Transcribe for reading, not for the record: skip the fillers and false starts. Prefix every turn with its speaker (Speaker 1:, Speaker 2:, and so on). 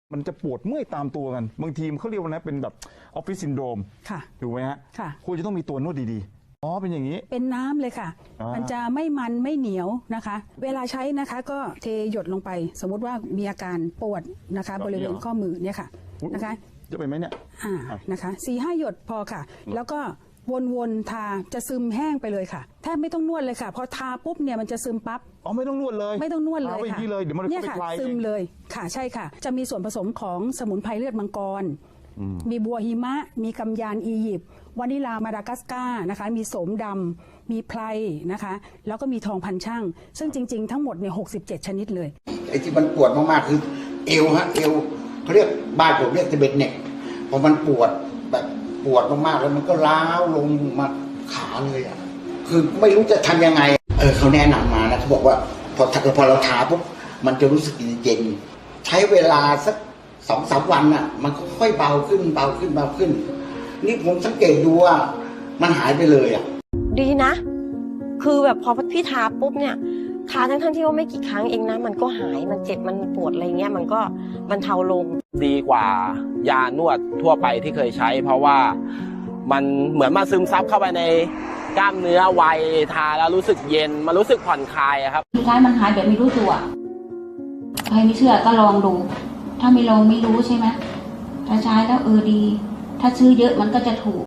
Speaker 1: มันจะปวดเมื่อยตามตัวกันบางทีเขาเรียกว่านะเป็นแบบออฟฟิศซินโดรมถูกไหมฮะควรจะต้องมีตัวนวดดีๆอ๋อเป็นอย่างนี้
Speaker 2: เป็นน้ำเลยค่ะมันจะไม่มันไม่เหนียวนะคะเวลาใช้นะคะก็เทหยดลงไปสมมุติว่ามีอาการปวดนะคะบริเวณข้อมือเนี่ยค่ะนะคะ
Speaker 1: จะไปไหมเนี่ย
Speaker 2: นะคะ4-5 หยดพอค่ะแล้วก็วนๆทาจะซึมแห้งไปเลยค่ะแทบไม่ต้องนวดเลยค่ะพอทาปุ๊บเนี่ยมันจะซึมปั๊บ
Speaker 1: อ๋อไม่ต้องนวดเลย
Speaker 2: ไม่ต้องนวดเลยค่ะ
Speaker 1: เดี๋ยวมัน
Speaker 2: เนี่ยค่ะซึมเลยค่ะใช่ค่ะจะมีส่วนผสมของสมุนไพรเลือดมังกรมีบัวหิมะมีกำยานอียิปต์วานิลามาดากัสการ์นะคะมีโสมดำมีไพรนะคะแล้วก็มีทองพันช่างซึ่งจริงๆทั้งหมดเนี่ย67 ชนิดเลย
Speaker 3: ไอ้ที่มันปวดมากๆคือเอวฮะเอวเขาเรียกบ้านผมเรียกตะเบ็ดเน็กพอมันปวดแบบปวดมากๆแล้วมันก็ล้าวลงมาขาเลยอ่ะคือไม่รู้จะทำยังไงเขาแนะนำมานะเขาบอกว่าพอเราทาปุ๊บมันจะรู้สึกเย็นใช้เวลาสัก2-3 วันอ่ะมันก็ค่อยเบาขึ้นนี่ผมสังเกตดูว่ามันหายไปเลยอ่ะ
Speaker 4: ดีนะคือแบบพอพี่ทาปุ๊บเนี่ยทาทั้งที่ว่าไม่กี่ครั้งเองนะมันก็หายมันเจ็บมันปวดอะไรเงี้ยมันก็บรรเทาลง
Speaker 5: ดีกว่ายานวดทั่วไปที่เคยใช้เพราะว่ามันเหมือนมาซึมซับเข้าไปในกล้ามเนื้อไวทาแล้วรู้สึกเย็นมันรู้สึกผ่อนคลายครับ
Speaker 6: สุดท้ายมันหายแบบไม่รู้ตัวใครไม่เชื่อก็ลองดูถ้าไม่ลองไม่รู้ใช่ไหมถ้าใช้แล้วดีถ้าซื้อเยอะมันก็จะถูก